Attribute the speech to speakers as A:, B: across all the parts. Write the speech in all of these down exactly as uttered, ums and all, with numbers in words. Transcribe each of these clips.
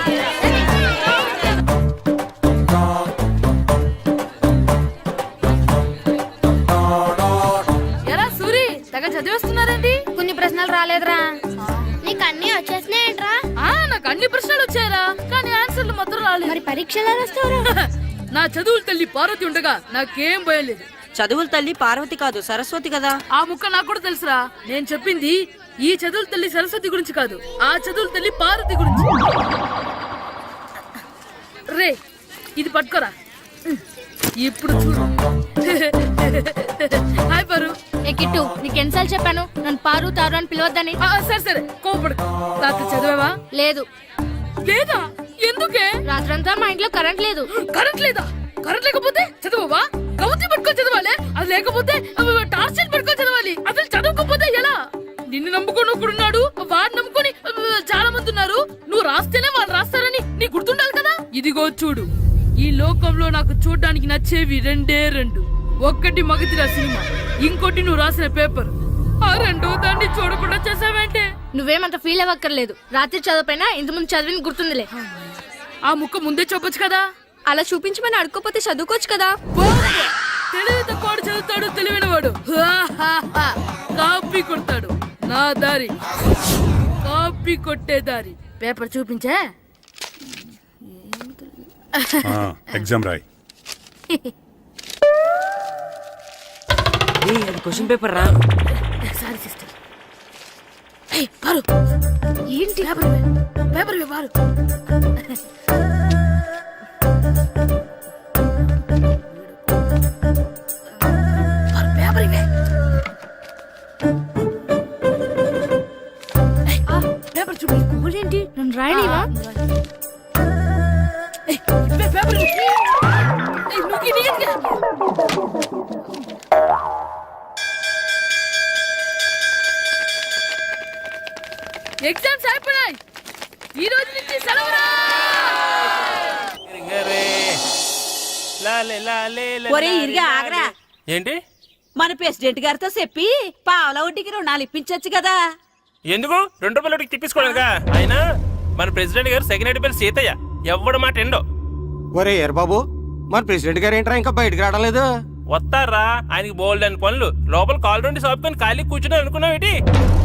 A: ఎరా సూరి తెగ చదివేస్తున్నారండి.
B: కొన్ని ప్రశ్నలు రాలేదురా. నీకు అన్ని వచ్చేసినాయంట్రా?
A: ఆ నాకు అన్ని ప్రశ్నలు వచ్చాయరా, కానీ ఆన్సర్లు మాత్రం రాలేదు.
B: మరి పరీక్షలు రాస్తావురా?
A: నా చదువుల తల్లి పార్వతి ఉండగా నాకేం భయం లేదు.
C: చదువుల తల్లి పార్వతి కాదు సరస్వతి కదా.
A: ఆ ముక్క నాకు కూడా తెలుసురా. నేను చెప్పింది ఈ చదువుల తల్లి సరస్వతి గురించి కాదు, ఆ చదువుల తల్లి పార్వతి గురించి. రే ఇది పట్టుకోరా. ఇప్పుడు చూడు. హాయ్ పారు.
B: ఏ కిట్టు, నీకు ఎన్నిసార్లు చెప్పాను నన్ను పారు తారు అని పిలవద్దని?
A: ఆ, సరే సరే కోపడు. రాత్రి చదివావా?
B: లేదు.
A: లేదా? ఎందుకే?
B: రాత్రంతా మా ఇంట్లో కరెంట్ లేదు.
A: కరెంట్ లేదా? కరెంట్ లేకపోతే చదవవా? కవతి పట్టుకొని చదవాలి. అది లేకపోతే టార్చ్ లైట్ పట్టుకొని చదవాలి. అసలు చదవకపోతే ఎలా? నిన్ను నమ్ముకొని ఒకడున్నాడు, వాడిని నమ్ముకొని చాలా మంది ఉన్నారు. నువ్వు రాస్తేనే వాళ్ళు రాస్తారని నీ గుర్తుండాలి కదా. ఇదిగో చూడు, ఈ లోకంలో నాకు చూడడానికి నచ్చేవి రెండే రెండు. ఒక్కటి మగతిరా సినిమా, ఇంకోటి నువ్వు రాసిన పేపర్. ఆ రెండో దాన్ని చూడకుండా చేసావేంటే?
B: నువ్వేమంత ఫీల్ అవ్వక్కర్లేదు. రాత్రి చదవపోయినా ఇంతకుముందు చదివిన గుర్తుందిలే.
A: ఆ ముక్క ముందే చెప్పొచ్చు కదా.
B: అలా చూపించమని అడుక్కోపోతే చదువుకోవచ్చు కదా.
A: తెలివి తక్కువ చదువుతాడు, తెలివైన వాడు కాపీ కొడతాడు. నా దారి కాపీ కొట్టే దారి. పేపర్ చూపించే.
D: ఎగ్జామ్ రాయ్.
C: అది క్వశ్చన్ పేపర్ రా.
A: Sorry sister. పారు ఏంటి పేపర్ పేపర్ పారు. పేపర్ ఇవే. పేపర్ చూపి.
B: ఏంటి నన్ను రాయలేవా?
A: పేపర్ ఎగ్జామ్స్ అయిపోయాయి. ఈ రోజు నుంచి సెలవురా.
E: ఒరే ఇరిగా ఆగరా.
F: ఏంటి?
E: మన ప్రెసిడెంట్ గారితో చెప్పి పావలా వడ్డీకి రుణాలు ఇప్పించొచ్చు కదా.
F: ఎందుకు? రెండు రూపాయలు ఒకటి తిప్పించుకోలేదుగా. అయినా మన ప్రెసిడెంట్ గారు సెకండ్ హెడ్ పేరు సీతయ్య. ఎవడు మాట ఎండో.
G: ఒరే ఎర్ బాబు, మన ప్రెసిడెంట్ గారు ఏంట్రా ఇంకా బయటకు రావడం లేదు?
F: వస్తారా? ఆయనకి బోల్డ్ అని పనులు. లోపల కాల్ రెండు సాపుకొని ఖాళీ కూర్చుని అనుకున్నావు ఏంటి?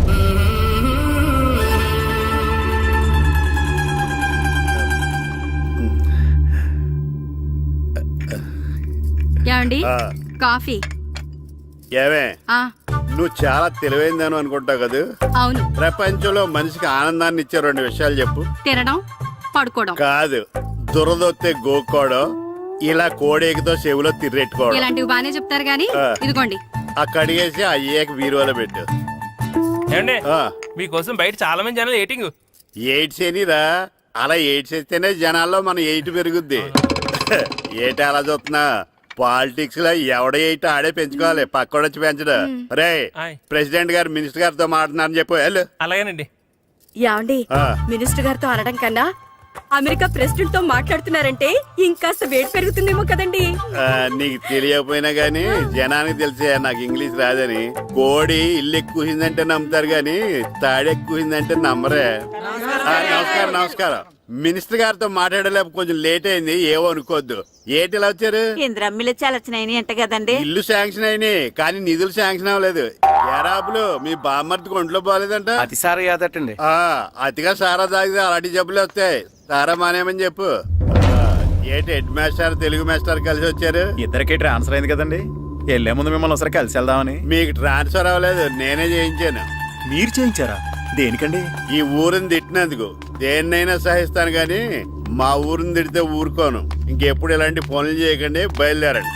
H: ఏమండి కాఫీ?
I: ఏమే నువ్వు చాలా తెలివైందని అనుకుంటావు కదా.
H: అవును.
I: ప్రపంచంలో మనిషికి ఆనందాన్ని ఇచ్చే రెండు విషయాలు చెప్పు.
H: తినడం, పడుకోవడం.
I: కాదు, దురదొత్తే గోక్కోవడం, ఇలా కోడేకితో చెవులో తిర్రెట్టుకోవడం.
H: ఇలాంటివి బానే చెప్తారు గానీ ఇదిగోండి.
I: ఆ కడిగేసి అయ్యాక బీరువాలో పెట్టు.
F: ఏమండి మీకోసం బయట చాలా మంది జనాలు ఎయిటింగ్.
I: ఎయిడ్స్ ఏనిరా? అలా ఎయిడ్స్ వేస్తేనే జనాల్లో మన ఎయిట్ పెరుగుద్ది. ఏటి అలా చూస్తున్నా? పాలిటిక్స్ లో ఎవడ ఎయిట్ ఆడే పెంచుకోవాలి, పక్కోడొచ్చి పెంచడం. రే ప్రెసిడెంట్ గారు మినిస్టర్ గారితో మాట్లాడుతున్నారని చెప్పు. వెళ్ళు.
F: అలాగేనండి.
C: యాండి మినిస్టర్ గారితో అనడం కన్నా అమెరికా ప్రెసిడెంట్ తో మాట్లాడుతున్నారంటే ఇంకాస్త వేడి పెరుగుతుందేమో కదండి.
I: నీకు తెలియకపోయినా గానీ జనానికి తెలిసే నాకు ఇంగ్లీష్ రాదని. కోడి ఇల్లు ఎక్కువసిందంటే నమ్ముతారు గాని తాడెక్కువసిందంటే నమ్మరే. నమస్కారం నమస్కారం. మినిస్టర్ గారితో మాట్లాడలేక కొంచెం లేట్ అయింది, ఏవో అనుకోవద్దు. ఏటి ఇలా వచ్చారు?
E: ఇంద్రమ్మిలు చాలచ్చినాయని అంట కదండి.
I: ఇల్లు శాంక్షన్ అయినాయి కానీ నిధులు శాంక్షన్ అవ్వలేదు. ఎరాబులు మీ బామ్మర్తికి ఒంట్లో పోలేదంట.
G: అతి సారా యాదటండి.
I: ఆ అతిగా సారా తాగితే అలాంటి జబ్బులు వస్తాయి. సారా మానేమని చెప్పు. ఏటి హెడ్ మాస్టర్ తెలుగు మాస్టర్ కలిసి వచ్చారు?
G: ఇద్దరికి ట్రాన్స్ఫర్ అయింది కదండి. వెళ్లే ముందు మిమ్మల్ని ఒకసారి కలిసి వెళ్దామని.
I: మీకు ట్రాన్స్ఫర్ అవ్వలేదు, నేనే చేయించాను.
G: మీరు చేయించారా? దేనికండి?
I: ఈ ఊరిని తిట్టినందుకు. దేన్నైనా సహిస్తాను గాని మా ఊరిని తిడితే ఊరుకోను. ఇంకెప్పుడు ఇలాంటి పనులు చేయకండి, బయలుదేరండి.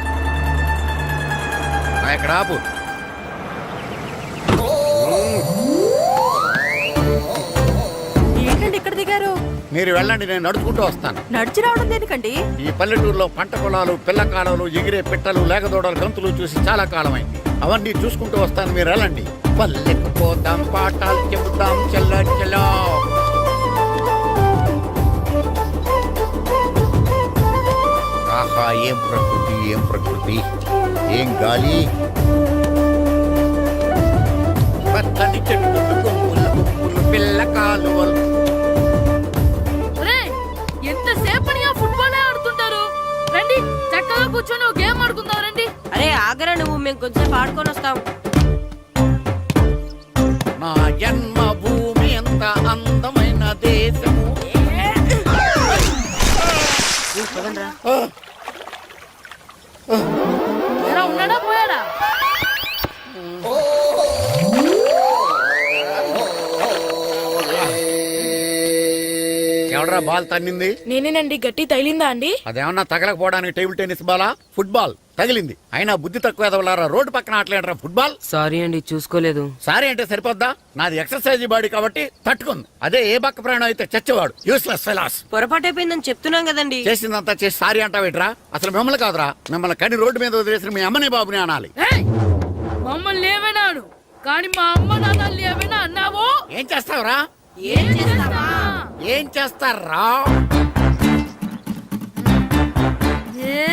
G: ఇక్కడ ఆపు.
C: ఏంటండి ఇక్కడ దిగారు?
G: మీరు వెళ్ళండి, నేను నడుచుకుంటూ వస్తాను.
C: నడిచి రావడం దేనికండి?
G: ఈ పల్లెటూరులో పంట పొలాలు, పిల్ల కాడలు, ఎగిరే పిట్టలు, లేకదోడలు, గంతులు చూసి చాలా కాలమైంది. అవన్నీ చూసుకుంటూ వస్తాను, మీరు వెళ్ళండి. పల్లెకు పోదాం, పాఠాలు చెబుతాం, చెల్ల చెల్లో. ఆహా, ఏం ప్రకృతి, ఏం ప్రకృతి, ఏం గాలి. పచ్చని చెట్లు, కొమ్ముల కొమ్ములు, పిల్ల కాలువలు.
E: మేము కొంచెం ఆడుకొని వస్తాం.
G: నా జన్మభూమి ఎంత అందమైన దేశము. ఆ,
A: ఎలా ఉన్నాడా పోయాడా?
G: ఎవడరా బాల్ తన్నింది?
A: నేనేనండి. గట్టి తగిలిందా అండి?
G: అదేమన్నా తగలకపోవడానికి టేబుల్ టెన్నిస్ బాలా, ఫుట్బాల్ తగిలింది. అయినా బుద్ధి తక్కువ ఎదవలారా రోడ్డు పక్కన ఆటలేడరా ఫుట్బాల్.
J: సారీ అండి చూసుకోలేదు.
G: సారీ అంటే సరిపోద్దా? నాది ఎక్సర్సైజ్ బాడీ కాబట్టి తట్టుకుంది. అదే ఏ బక్క ప్రాణం అయితే చచ్చేవాడు. Useless fellas.
E: పొరపాటు అయిపోయిందని చెప్తున్నాం కదండి.
G: చేసిందంతా చేసి సారీ అంటావేట్రా? అసలు మిమ్మల్ని కాదురా, మిమ్మల్ని కని రోడ్డు మీద వదిలేసిన మీ అమ్మని బాబుని అనాలి.
A: ఏయ్! మమ్మల్ని ఏమైనాను కానీ మా అమ్మ నాన్నల్ని ఏమైనా అన్నావో
G: ఏం చేస్తావురా?
A: ఏం చేస్తావా?
G: ఏం చేస్తారా?
A: ఏ?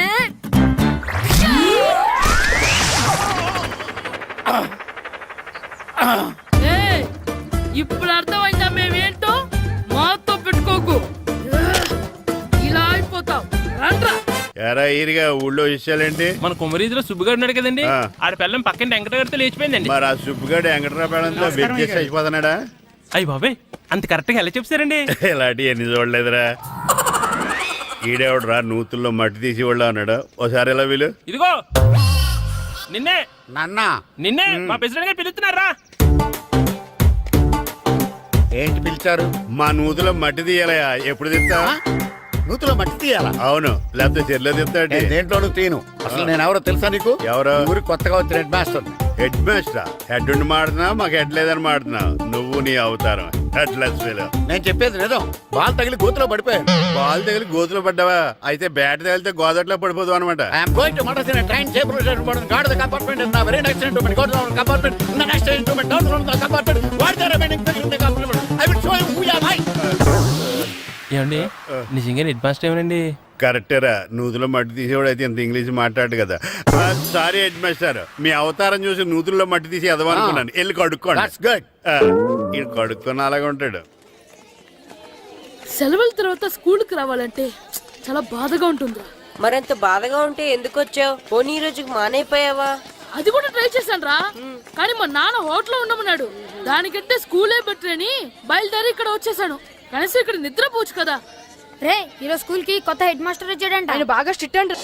A: ఏయ్! ఇప్పుడు అర్థమైందా మేమేంటో? మాతో పెట్టుకోకు. ఇలా అయిపోతాం. రండ్రా.
I: ఎరా ఈరిగా ఊళ్ళో విషయాలేంటి?
F: మన కుమరీధిలో సుబ్బుగాడు ఉన్నాడు కదండి,
I: ఆ.
F: ఆడ పిల్లం పక్కన వెంకటగారితో లేచిపోయిందండి.
I: మరి ఆ సుబ్బుగాడు వెంకటరాపేడంతో వెచ్చేసి అయిపోతున్నాడా?
F: అయ్యి బాబాయ్ అంత కరెక్ట్ గా ఎలా చెప్తారండి?
I: ఇలాంటి ఎన్ని చూడలేదురా. ఈడేవడరా నూతుల్లో మట్టి తీసి వాళ్ళు అన్నాడు. ఓసారి ఎలా వీలు
F: ఇదిగో నిన్నే
G: నాన్న
F: నిన్నే మా ప్రెసిడెంట్ గారు పిలుస్తున్నారా?
G: ఏంటి పిలిచారు?
I: మా నూతులో మట్టి తీయాలయా. ఎప్పుడు తీస్తా?
G: నూతులో మట్టి తీయాలా?
I: అవును, లేకపోతే చెల్లె తీస్తాడు.
G: నేను దేంట్లోనూ తీను. అసలు నేను ఎవరో తెలుసా నీకు?
I: ఎవరు?
G: ఊరికి కొత్తగా వచ్చిన head master.
I: Head master. Head ఉండి మాడుతున్నావు, మాకు హెడ్ లేదని మాడుతున్నావు. నువ్వు నీ అవతారం హెడ్లెస్ ఫెలో.
G: నేను చెప్పేది నిజం. బాల్ తగిలి గోతులో పడిపోయాను.
I: బాల్ తగిలి గోతులో పడ్డావా? అయితే బ్యాట్ తగిలితే గోదట్లో పడిపోదు అనమాట.
G: ఐఎమ్ గోయింగ్ టు మడసిన train table guard the compartment in the very next instrument. Go to the compartment in the next instrument. Down to the compartment. What the remaining thing in the compartment? I will show you who you are.
F: ఏమండి నిజంగా head master ఏమనండి?
I: కరెక్టేరా, నూతులో మట్టి తీసేవాడు అయితే ఇంత English మాట్లాడు కదా. Sorry head master, మీ అవతారం చూసి నూతుల్లో మట్టి తీసి ఎదవనుకున్నాను. వెళ్ళి కడుక్కోండి.
G: That's good.
I: ఇది కడుక్కొని అలాగే ఉంటాడు.
A: సెలవుల తర్వాత స్కూల్కి రావాలంటే చాలా బాధగా ఉంటుందిరా.
E: మరంత బాధగా ఉంటే ఎందుకు వచ్చావు? పోనీ ఈ రోజుకి మానైపోయావా?
A: అది కూడా ట్రై చేశాను రా, కానీ మా నాన్న హోటల్లో ఉండమన్నాడు. దానికంటే స్కూలే బెటర్ అని బయలుదేరి ఇక్కడ వచ్చేసాను. కనీసం ఇక్కడ నిద్రపోవచ్చు కదా.
B: రే ఈరోజు స్కూల్ కి కొత్త హెడ్ మాస్టర్ వచ్చాడంట.
A: ఆయన బాగా స్ట్రిక్ట్ అంట.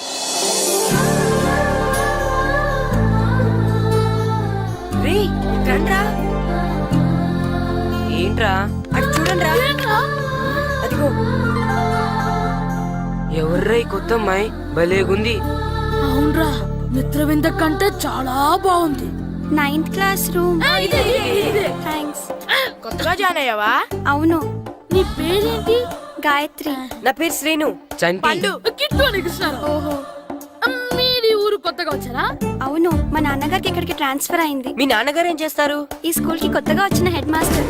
E: రే రండ్రా. ఏంట్రా అటు చూడండి రా.
A: ఏంట్రా?
E: అదిగో
J: ఎవర్రా ఈ కొత్త అమ్మాయి? భలేగుంది.
A: అవునరా, మిత్రవింద కంటే చాలా బాగుంది.
B: Ninth class room.
A: ఆ, ఇదే, ఇదే, ఇదే.
B: థ్యాంక్స్.
A: కొత్తగా జాయిన్ అయ్యావా?
B: అవును.
A: నీ పేరేంటి?
B: గాయత్రి.
E: నా పేరు శ్రీను.
J: చంటి.
A: కిట్టు అని కృష్ణారా.
B: ఓహో.
A: మీది ఊరు కొత్తగా వచ్చారా?
B: అవును, మా నాన్నగారికి ఇక్కడికి ట్రాన్స్ఫర్ అయింది.
E: మీ నాన్నగారు ఏం చేస్తారు?
B: ఈ స్కూల్ కి కొత్తగా వచ్చిన హెడ్ మాస్టర్.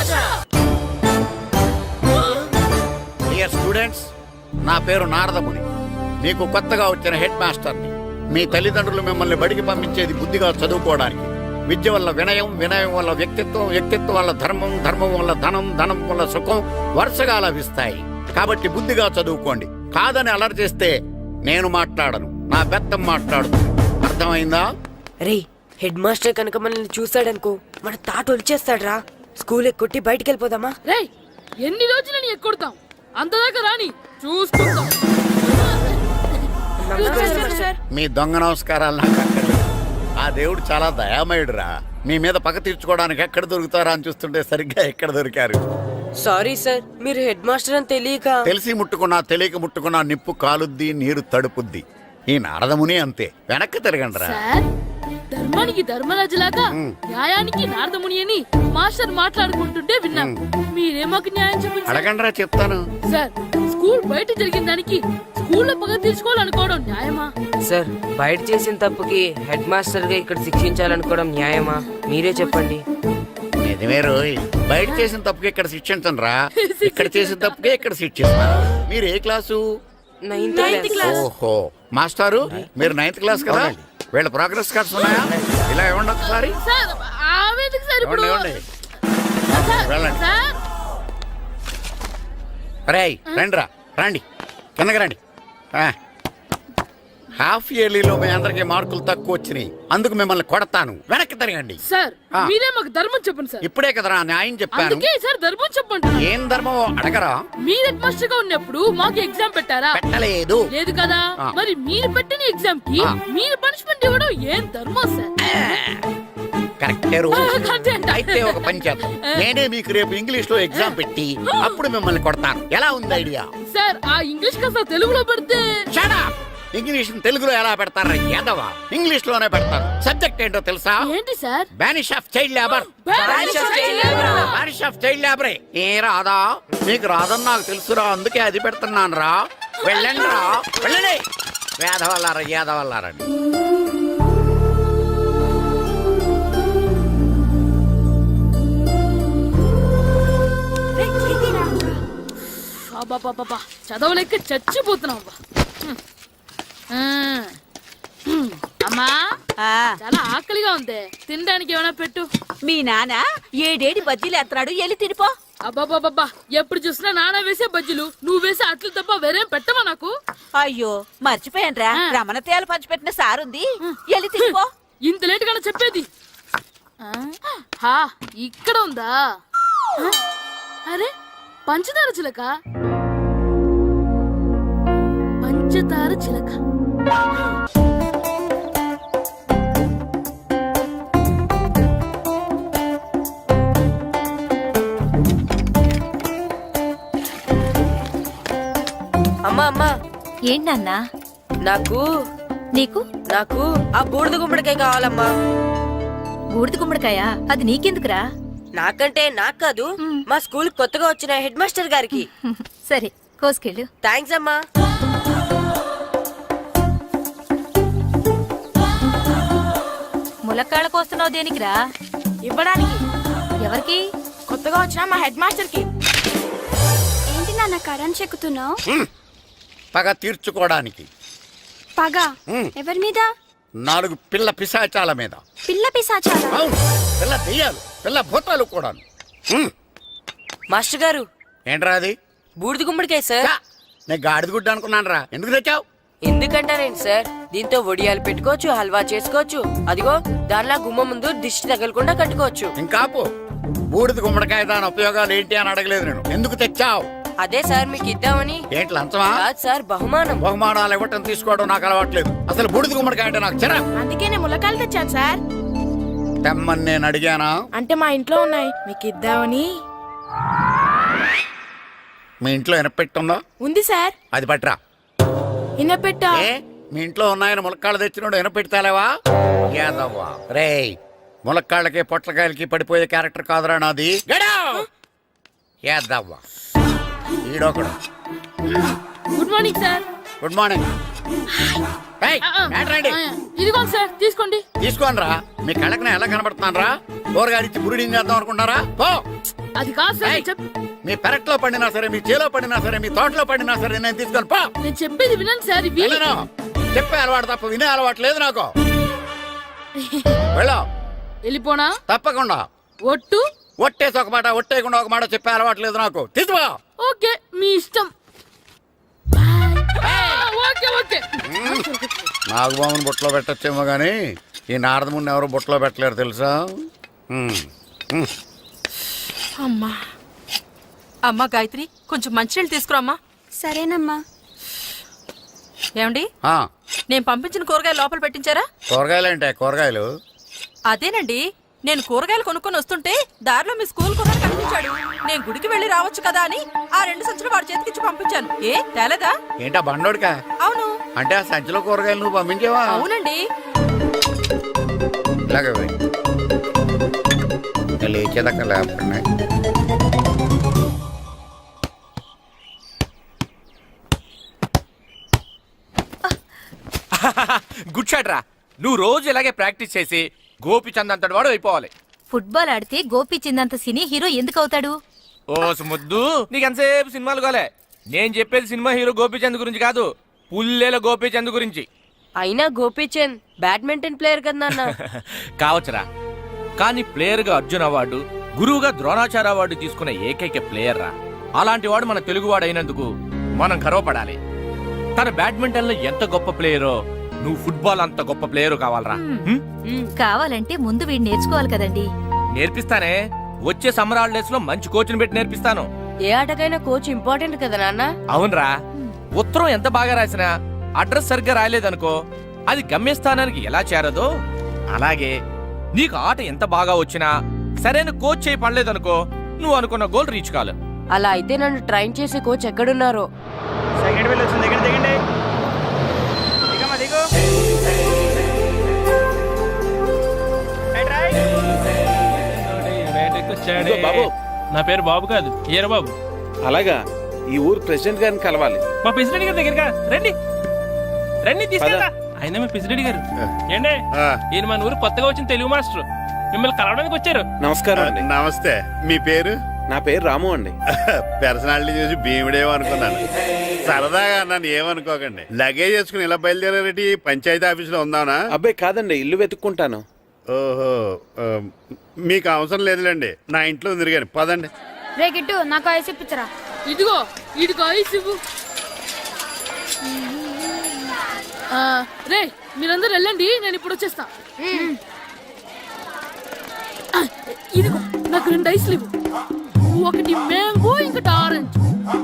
G: డియర్ స్టూడెంట్స్, నా పేరు నారదముని. మీకు కొత్తగా వచ్చిన హెడ్ మాస్టర్ని. మీ తల్లిదండ్రులు మిమ్మల్ని బడికి పంపించేది బుద్ధిగా చదువుకోవడానికి. విద్య వల్ల వినయం, వినయం వల్ల వ్యక్తిత్వం, వ్యక్తిత్వం వల్ల ధర్మం, ధర్మం వల్ల ధనం, ధనం వల్ల సుఖం వరుసగా లభిస్తాయి. కాబట్టి బుద్ధిగా చదువుకోండి. కాదని అలర్ చేస్తే నేను మాట్లాడను, నా బెత్తం మాట్లాడుతుంది. అర్థమైందా?
E: రే హెడ్ మాస్టర్ కనుక మనల్ని చూసాడనుకో మన తాట వచ్చేస్తాడ్రా. స్కూల్ ఎక్కొట్టి బయటికి వెళ్ళిపోదామా?
A: రేయ్, ఎన్ని రోజులని ఎక్కొడతాం? అంతదాకా రాని చూసుకుంటాం.
G: మీ దొంగ నమస్కారాలు నాకు అక్కర్లేదు. ఆ దేవుడు చాలా దయామయుడురా. మీ మీద పగ తీర్చుకోవడానికి ఎక్కడ దొరుకుతారా అని చూస్తుంటే సరిగ్గా ఎక్కడ దొరికారు.
E: సారీ సార్, మీరు హెడ్ మాస్టర్ అని తెలియక.
G: తెలిసి ముట్టుకున్నా తెలియక ముట్టుకున్నా నిప్పు కాలుద్ది, నీరు తడుపుద్ది. ఈ నారదముని అంతే. వెనక్కి తిరగండిరా.
A: సార్, ధర్మానికి ధర్మరాజులాగా న్యాయానికి నారదముని అని మాస్టర్ మాట్లాడుకుంటుంటే విన్నాం. మీరే మాకు న్యాయం చెప్పండి సార్.
G: అడగండిరా, చెప్తాను.
A: సార్, స్కూల్ బయట జరిగిన దానికి స్కూల్లో పగ తీర్చుకోవాలనుకోవడం న్యాయమా?
J: సార్ బయట చేసిన తప్పుకి హెడ్ మాస్టర్ గా ఇక్కడ శిక్షించాలనుకోవడం న్యాయమా? మీరే చెప్పండి.
G: నిజమే రోయ్, బయట చేసిన తప్పుకి ఇక్కడ శిక్షించను రా. ఇక్కడ చేసిన తప్పుకే ఇక్కడ శిక్షిస్తున్నారు. మీరు ఏ క్లాసు?
J: Ninth class.
G: ఓహో, మాస్టారు మీరు నైన్త్ క్లాస్ కదా. వీళ్ళ ప్రోగ్రెస్ కార్డ్స్ ఉన్నాయా? ఇలా ఇవ్వండి ఒకసారి.
A: సార్, ఆవేదకు సార్ ఇప్పుడు.
G: ఇవ్వండి, ఇవ్వండి.
A: సార్,
G: వెళ్ళండి.
A: సార్.
G: రేయ్ రండి రా, రండి కిందకి రండి. ఆ. హాఫ్ ఇయర్లీలో మీ అందరికి మార్కులు తక్కువ వచ్చినాయి, అందుకు మిమ్మల్ని కొడతాను. వెనక్కి తిరగండి.
A: సార్
G: ఆ.
A: మీరే మాకు ధర్మం చెప్పండి సార్.
G: ఇప్పుడే కదరా న్యాయం చెప్పాను.
A: అందుకే సార్ ధర్మం చెప్పండి.
G: ఏం ధర్మమో అడగరా?
A: మీరు హెడ్ మాస్టర్ గా ఉన్నప్పుడు మాకు ఎగ్జామ్ పెట్టారా?
G: పెట్టలేదు.
A: లేదు కదా.
G: ఆ.
A: మరి మీరు పెట్టిన ఎగ్జామ్ కి
G: ఆ.
A: మీరు పనిష్మెంట్ ఇవ్వడం ఏం ధర్మం సార్?
G: కరెక్టే రూల్.
A: ఆ, కరెక్టే అంట.
G: అయితే ఒక పని చేద్దాం, నేనే మీకు రేపు ఇంగ్లీష్ లో ఎగ్జామ్ పెట్టి అప్పుడు మిమ్మల్ని కొడతాను. ఎలా ఉంది ఐడియా?
A: సార్ ఆ ఇంగ్లీష్ కాస్త తెలుగులో పెడితే.
G: Shut up! ఇంగ్లీష్ తెలుగులో ఎలా పెడతారా యాదవా? ఇంగ్లీష్ లోనే పెడతారు. సబ్జెక్ట్ ఏంటో తెలుసా?
A: ఏంటి sir?
G: Banish of child labour.
A: Banish of child labor.
G: Banish of child లేబరే. ఏ రాదా? నీకు రాదని నాకు తెలుసురా, అందుకే అది పెడుతున్నాను రా. వెళ్ళండి రా, వెళ్ళండి. వేదవల్లారా, యాదవల్లారండి.
A: అబ్బబ్బబ్బబ్బా, చదవలేక చచ్చిపోతున్నాం అబ్బా. హ్మ్. ఆ. హ్మ్. అమ్మా చాలా ఆకలిగా ఉంది, తినడానికి ఏమైనా పెట్టు.
C: మీ నాన్న ఏడేడి బజ్జీలు ఎత్తాడు, ఎల్లి తినిపో.
A: అబ్బాబాబ్బా, ఎప్పుడు చూసినా నాన్న వేసే బజ్జీలు, నువ్వు వేసే అట్లు తప్ప వేరేం పెట్టవా నాకు?
C: అయ్యో మర్చిపోయానురా,
A: ఆ.
C: రమణ తేలు పంచిపెట్టిన సారుంది, ఎల్లి తినిపో.
A: ఇంత లేట్ గా చెప్పేది. ఆ? హా, ఇక్కడ ఉందా? ఆ? అరే పంచదార చిలక, పంచదార చిలక.
E: అమ్మా అమ్మా,
B: ఏంటన్నా?
E: నాకు
B: నీకు
E: నాకు ఆ బూడిద గుమ్మడికాయ కావాలమ్మా.
B: బూడిద గుమ్మడికాయ? అది నీకెందుకురా?
E: నాకంటే నాకు కాదు, మా స్కూల్ కొత్తగా వచ్చిన హెడ్ మాస్టర్ గారికి.
B: సరే కోసుకెళ్ళు.
E: థ్యాంక్స్ అమ్మా.
B: ములక్కాళ్ళ కోస్తున్నావు దేనికిరా?
A: ఇవ్వడానికి.
B: ఎవరికి?
A: కొత్తగా వచ్చిన మా హెడ్ మాస్టర్ కి.
C: ఏంటి నాన్న కరెంట్ చెక్కుతున్నావు?
G: పగ తీర్చుకోవడానికి.
C: పగ
G: ఉమ్.
C: ఎవరి మీద?
G: నాలుగు పిల్ల పిశాచాల మీద.
C: పిల్ల పిశాచాలా?
G: అవును, పిల్ల దెయ్యాలు, పిల్ల భూతాలు కూడా.
E: మాస్టర్ గారు,
G: ఏంట్రా అది?
E: బూడిద గుమ్మడికాయ సార్.
G: ఛా, నేను గాడిద గుడ్డ అనుకున్నాను రా. ఎందుకు తెచ్చావు?
E: ఎందుకంటారేంటి సార్, దీంతో వడియాలు పెట్టుకోవచ్చు, హల్వా చేసుకోవచ్చు. అదిగో దానిలా గుమ్మ ముందు దిష్టి తగలకుండా కట్టుకోవచ్చు.
G: ఇంకాపు, బూడిద గుమ్మడికాయ దాని ఉపయోగాలు ఏంటి అని అడగలేదు నేను. ఎందుకు తెచ్చావు?
E: అదే సార్ మీకు ఇద్దామని.
G: ఏంటి లంచమా?
E: కాదు సార్, బహుమానం.
G: బహుమానాలు ఇవ్వటం తీసుకోవడం నాకు అలవాట్లేదు. అసలు బూడిద గుమ్మడికాయ అంటే నాకు చెరా.
A: అందుకే నేను ములకాయలు తెచ్చాను సార్.
G: తెమ్మని నేను అడిగానా?
A: అంటే మా ఇంట్లో ఉన్నాయి, మీకు ఇద్దామని.
G: మీ ఇంట్లో ఎనపెట్టుందా?
A: ఉంది సార్.
G: అది పట్రా.
A: ఇన్నపెట్టా.
G: ఏ, మీ ఇంట్లో ఉన్నాయని ములక్కాళ్ళు తెచ్చినోడు ఎనపెడతాలేవా? యాదవ్వా రేయ్, ములక్కాళ్ళకి పొట్లకాయలకి పడిపోయే క్యారెక్టర్ కాదురా నాది. యాదవ్వా ఈడొకడు.
A: Good morning sir.
G: Good morning. ఏయ్, ఏంట్రాండి?
A: ఇదిగో సార్ తీసుకోండి.
G: తీసుకోనరా, మీ కళ్ళకి నేను ఎలా కనబడుతున్నాను రా? కూరగాయలిచ్చి బురుడీని చేద్దాం అనుకుంటారా? పో.
A: అది కాదు సార్,
G: ఏయ్,
A: నేను చెప్-
G: మీ పెరట్లో పండినా సరే, మీ చేలో పండినా సరే, మీ తోటలో పండినా సరే నేను తీసుకొని పో.
A: నేను చెప్పేది వినండి సార్. ఇవి
G: వెళ్ళను. చెప్పే అలవాటు తప్ప వినే అలవాటు లేదు నాకు. వెళ్ళా.
A: వెళ్ళిపోనా?
G: తప్పకుండా.
A: ఒట్టు.
G: ఒట్టేసి ఒక మాట, ఒట్టేయకుండా ఒక మాట చెప్పే అలవాటు లేదు నాకు. తీసుకో.
A: ఓకే, మీ ఇష్టం. ఆ, ఓకే ఓకే.
G: నాగబాబుని బుట్టలో పెట్టచ్చేమో గానీ ఈ నారదముని ఎవరు బుట్టలో పెట్టలేరు తెలుసా? ఉమ్, ఉమ్.
C: అమ్మా
K: అమ్మా గాయత్రి, కొంచెం మంచినీళ్ళు తీసుకురామ్మా.
C: సరేనమ్మా.
K: ఏమండి,
G: ఆ,
K: నేను పంపించిన కూరగాయలు లోపల పెట్టించారా?
G: కూరగాయలు ఏంటే కూరగాయలు?
K: అదేనండి, నేను కూరగాయలు కొనుక్కొని వస్తుంటే దారిలో మీ స్కూల్ కుర్రాడు కనిపించాడు. నేను గుడికి వెళ్ళి రావచ్చు కదా అని ఆ రెండు సంచులు వాడి చేతికిచ్చి పంపించాను. ఏ తేలేదా?
G: ఏంటా బండోడికా?
K: అవును.
G: అంటే ఆ సంచిలో కూరగాయలు నువ్వు పంపించావా?
K: అవునండి.
G: ఇలాగే పోయి. ఇంకా లేచేదాకా లేకుండా.
F: గుడ్ షాట్ రా. నువ్వు రోజు ఇలాగే ప్రాక్టీస్ చేసి గోపిచంద్ అంతటి వాడు అయిపోవాలి.
B: ఫుట్బాల్ ఆడితే గోపీచంద్ సినీ హీరో ఎందుకు అవుతాడు?
F: ఓ ముద్దు, నీకు ఎంతసేపు సినిమాలు కాలే. నేను చెప్పేది సినిమా హీరో గోపిచంద్ గురించి కాదు, పుల్లేల గోపిచంద్ గురించి.
E: అయినా గోపీచంద్ బ్యాడ్మింటన్ ప్లేయర్ కదా నాన్న.
F: కావచ్చురా, కానీ ప్లేయర్ గా అర్జున్ అవార్డు, గురువుగా ద్రోణాచార్య అవార్డు తీసుకున్న ఏకైక ప్లేయర్ రా. అలాంటి వాడు మన తెలుగువాడు అయినందుకు మనం గర్వపడాలి. తన బ్యాడ్మింటన్ లో ఎంత గొప్ప ప్లేయరో నువ్వు ఫుట్బాల్ అంత గొప్ప ప్లేయర్ కావాలరా హ్మ్?
B: కావాలంటే ముందు వీడు నేర్చుకోవాలి కదండి.
F: నేర్పిస్తానే. వచ్చే సమ్మర్ హాలిడేస్ లో మంచి కోచ్ని పెట్టి నేర్పిస్తాను.
E: ఏ ఆటకైనా కోచ్ ఇంపార్టెంట్ కదా నాన్న.
F: అవునరా, ఉత్తరం ఎంత బాగా రాసినా అడ్రస్ సరిగ్గా రాయలేదనుకో అది గమ్యస్థానానికి ఎలా చేరదో అలాగే నీకు ఆట ఎంత బాగా వచ్చినా సరైన కోచ్ చేయి పడలేదనుకో నువ్వు అనుకున్న గోల్ రీచ్ కాదు.
E: అలా అయితే నన్ను ట్రైన్ చేసే కోచ్ ఎక్కడున్నారో.
L: సెకండ్ బిల్ వచ్చింది, దిగండి దిగండి దిగమ్మా దిగు.
M: ఇదిగో బాబు,
L: నా పేరు బాబు కాదు ఈర బాబు.
M: అలాగా ఈ ఊరు ప్రెసిడెంట్ గారిని కలవాలి.
L: మా ప్రెసిడెంట్ గారి దగ్గరగా రండి రండి తీసుకెళ్తా. ఆయన మీ ప్రెసిడెంట్ గారు ఏండే
I: ఆ,
L: ఈయన మన ఊరు కొత్తగా వచ్చిన తెలుగు మాస్టర్ మిమ్మల్ని కలవడానికి వచ్చారు.
M: నమస్కారం అండి.
I: నమస్తే. మీ పేరు?
M: నా పేరు రాము అండి.
I: పర్సనాలిటీ చూసి భీముడేమో అనుకున్నాను. సరదాగా నన్ను ఏమనుకోకండి. లగేజ్ వేసుకుని ఇలా బయలుదేరేటి పంచాయతీ ఆఫీసులో ఉందానా?
M: అబ్బాయి కాదండి, ఇల్లు వెతుక్కుంటాను.
I: ఓహో, ఆ, మీకు అవసరం లేదులేండి, నా ఇంట్లో ఉంది కానీ పదండి.
B: రే గిట్టు నాకు ఐస్ ఇప్పించరా.
A: ఇదిగో ఇదిగో ఐస్ ఇవ్వు. ఆ, రే మీరందరూ వెళ్ళండి, నేను ఇప్పుడు వచ్చేస్తా. ఆ, ఇదిగో నాకు రెండు ఐస్లు ఇవ్వు. ఒకటి మ్యాంగో ఇంకటి ఆరెంజ్.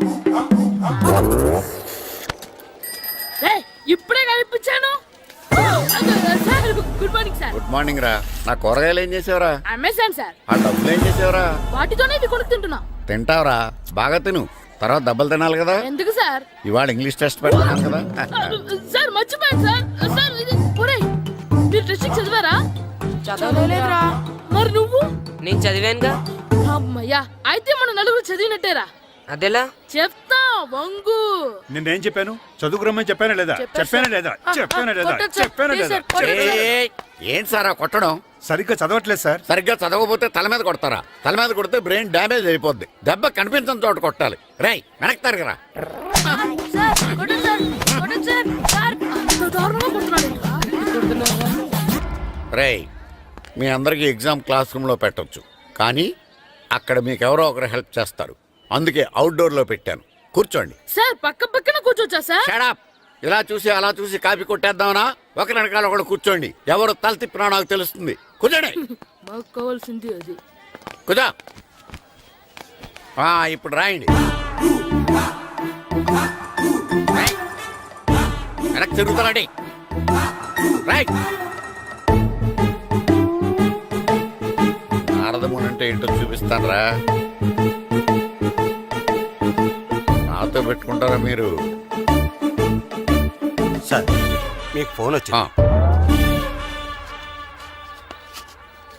A: రే ఇప్పుడే కనిపించాను. Sir good morning sir.
G: Good morning రా. నా కూరగాయలు ఏం చేసావురా?
A: Amazon sir.
G: ఆ డబ్బులు ఏం చేసావురా?
A: వాటితోనే ఇవి కొనుక్కు తింటున్నా.
G: తింటావురా, బాగా తిను. తర్వాత దెబ్బలు తినాలి కదా.
A: ఎందుకు సార్?
G: ఇవాళ ఇంగ్లీష్ టెస్ట్ పెడతాను కదా.
A: సార్ మర్చిపోయాను సార్. సార్ ఇది ఒరేయ్, మీరు టెస్టింగ్ చదివారా?
E: చదవలేదురా.
A: మరి నువ్వు?
E: నేను చదివానుగా.
A: అమ్మయ్యా, అయితే మన నలుగురు చదివినట్టేరా.
E: అదెలా?
A: చెప్తా వంగు.
D: నిన్నేం చెప్పాను? చదువుకురమ్మని చెప్పానా లేదా?
A: చెప్పాను
D: చెప్పానా
A: సార్.
D: లేదా?
A: ఆ,
D: చెప్పానా లేదా?
A: కొట్టొచ్చు సార్.
D: చెప్పానా
A: ప్లీజ్
D: లేదా?
A: సార్, కొట్టొచ్చు సార్.
G: ఏయ్, ఏంటి సారా కొట్టడం?
D: సరిగ్గా చదవట్లేదు సార్.
G: సరిగ్గా చదవకపోతే తల మీద కొడతారా? తల మీద కొడితే బ్రెయిన్ డ్యామేజ్ అయిపోద్ది. దెబ్బ కనిపించని చోట కొట్టాలి. రేయ్ వెనక్కి తరగరా.
A: సార్, కొట్టండి సార్, కొట్టండి సార్. సార్, అంత దారుణంగా కొడుతున్నాడు ఏంట్రా?
G: రేయ్, మీ అందరికీ ఎగ్జామ్ క్లాస్ రూమ్లో పెట్టొచ్చు, కానీ అక్కడ మీకు ఎవరో ఒకరు హెల్ప్ చేస్తారు. అందుకే అవుట్డోర్లో పెట్టాను. కూర్చోండి.
A: సార్ పక్క పక్కన కూర్చోచ్చా సార్?
G: షడప్. ఇలా చూసి అలా చూసి కాపీ కొట్టేద్దామనా? ఒకరి వెనకాల ఒకడు కూర్చోండి. ఎవరు తల తిప్పినా నాకు తెలుస్తుంది. కూర్చోండి.
A: మాకు కావాల్సింది అది.
G: కూర్చో. ఆ, ఇప్పుడు రాయండి. రాయ్. వెనక్కి తిరుగుతానండి. రైట్. నారదముని అంటే ఏంటో చూపిస్తాను రా. నాతో పెట్టుకుంటారా మీరు?
N: సార్ మీకు ఫోన్ వచ్చింది.
G: ఆ.